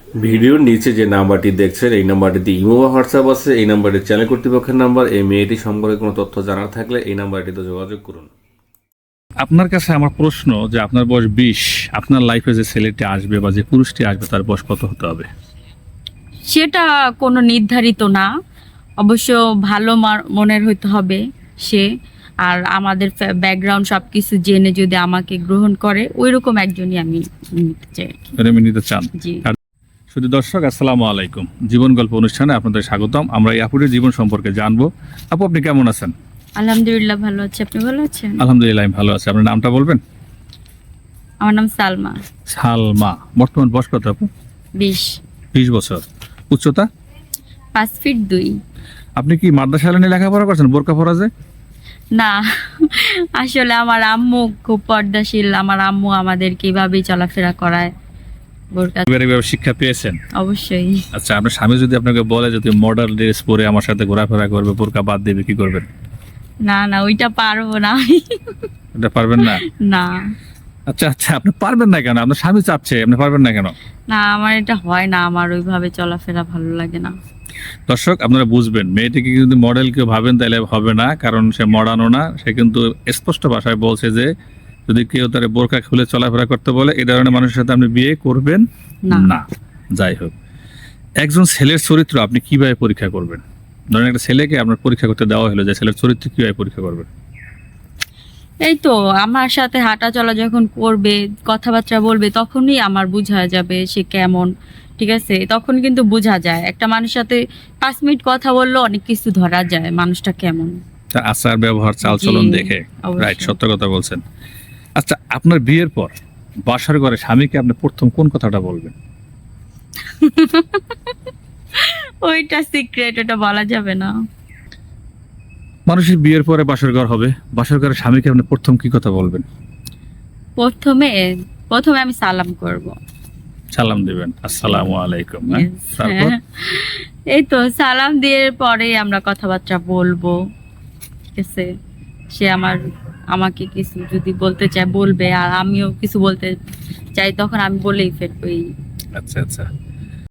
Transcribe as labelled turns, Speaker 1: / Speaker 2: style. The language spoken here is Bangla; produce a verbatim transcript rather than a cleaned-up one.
Speaker 1: ভিডিওর নিচে যে নাম্বারটি দেখছেন এই নাম্বারটিতে ইমো বা হোয়াটসঅ্যাপ আছে। এই নাম্বারটি চ্যানেল কর্তৃপক্ষের নাম্বার। এই মেয়েটি সম্পর্কে কোনো তথ্য জানার থাকলে এই নাম্বারটিতে যোগাযোগ করুন।
Speaker 2: আপনার কাছে আমার প্রশ্ন যে আপনার বয়স বিশ, আপনার লাইফে যে ছেলেটি আসবে বা যে পুরুষটি আসবে তার বয়স কত হতে হবে?
Speaker 3: সেটা কোনো নির্ধারিত না, অবশ্য ভালো মার- মনের হইতে হবে সে, আর আমাদের ব্যাকগ্রাউন্ড সব কিছু জেনে যদি আমাকে গ্রহণ করে ওই রকম একজনই আমি নিতে চাই আর কি।
Speaker 2: প্রেমে নিতে চান?
Speaker 3: জি।
Speaker 2: আর শুধু দর্শক, আসসালামু আলাইকুম। জীবন গল্প অনুষ্ঠানে আপনাদের স্বাগতম। আমরা এই আপুটির জীবন সম্পর্কে জানবো। আপু, আপনি কেমন আছেন?
Speaker 3: আলহামদুলিল্লাহ ভালো আছে, আপনি ভালো আছেন?
Speaker 2: আলহামদুলিল্লাহ, আমি ভালো আছি। আপনার নামটা বলবেন?
Speaker 3: আমার নাম সালমা।
Speaker 2: সালমা। বর্তমান বয়স কত আপু?
Speaker 3: বিশ।
Speaker 2: বিশ বছর। উচ্চতা?
Speaker 3: পাঁচ ফিট দুই।
Speaker 2: আপনি কি মাদ্রাসা নিয়ে লেখাপড়া করছেন বোরকা ফরাজে?
Speaker 3: না, আসলে আমার আম্মু খুব পর্দাশীল, আমার আম্মু আমাদের কিভাবে চলাফেরা করায় বোরকা।
Speaker 2: পারিবারিকভাবে শিক্ষা পেয়েছেন?
Speaker 3: অবশ্যই।
Speaker 2: আচ্ছা, আপনার স্বামী যদি আপনাকে বলে যদি মডার্ন ড্রেস পরে আমার সাথে ঘোরাফেরা করবে, বোরকা বাদ দেবে, কি করবেন?
Speaker 3: না না, ওইটা পারবো না আমি।
Speaker 2: এটা পারবেন না?
Speaker 3: না
Speaker 2: আচ্ছা আচ্ছা, আপনি পারবেন না কেন? আপনার স্বামী চাপছে, আপনি পারবেন না কেন?
Speaker 3: না, আমার এটা হয় না, আমার ওইভাবে চলাফেরা ভালো লাগে না।
Speaker 2: দর্শক, আপনারা বুঝবেন, মেয়েটিকে যদি মডেল কেউ ভাবেন তাহলে হবে না, কারণ সে মডার্নও না। সে কিন্তু স্পষ্ট ভাষায় বলছে যে যদি কেউ তার বোরকা খুলে চলাফেরা করতে বলে এই ধরনের মানুষের সাথে আপনি বিয়ে করবেন
Speaker 3: না।
Speaker 2: না। যাই হোক, একজন ছেলের চরিত্র আপনি কিভাবে পরীক্ষা করবেন? ধরেন একটা ছেলেকে আপনার পরীক্ষা করতে দেওয়া হলো যে ছেলের চরিত্র কিভাবে পরীক্ষা করবেন?
Speaker 3: এই তো আমার সাথে হাঁটা চলা যখন করবে, কথাবার্তা বলবে, তখনই আমার বোঝা যাবে সে কেমন। ঠিক আছে, তখন কিন্তু বোঝা যায় একটা মানুষের সাথে পাঁচ মিনিট কথা বললে অনেক কিছু ধরা যায় মানুষটা কেমন।
Speaker 2: তার আচার ব্যবহার চাল চলন
Speaker 3: জি,
Speaker 2: দেখে।
Speaker 3: অবশ্যই।
Speaker 2: রাইট, সত্য কথা বলছেন। আচ্ছা, আপনার বিয়ের পর বাসার ঘরে স্বামীকে আপনি প্রথম কোন কথাটা বলবেন?
Speaker 3: ওইটা সিক্রেট, ওটা বলা যাবে না।
Speaker 2: মানুষের বিয়ের পরে বাসর ঘর হবে, বাসর ঘরে স্বামীকে আপনি প্রথম কি কথা বলবেন?
Speaker 3: প্রথমে প্রথমে আমি সালাম করব।
Speaker 2: সালাম দিবেন, আসসালামু আলাইকুম। হ্যাঁ?
Speaker 3: Yes,
Speaker 2: তারপর?
Speaker 3: হ্যাঁ। এই তো সালাম দিয়ে পরেই আমরা কথাবার্তা বলবো। ঠিক আছে, সে আমার আমাকে কিছু যদি বলতে চায় বলবে, আর আমিও কিছু বলতে চাই তখন আমি বলেই ফেলবো। এই
Speaker 2: আচ্ছা আচ্ছা।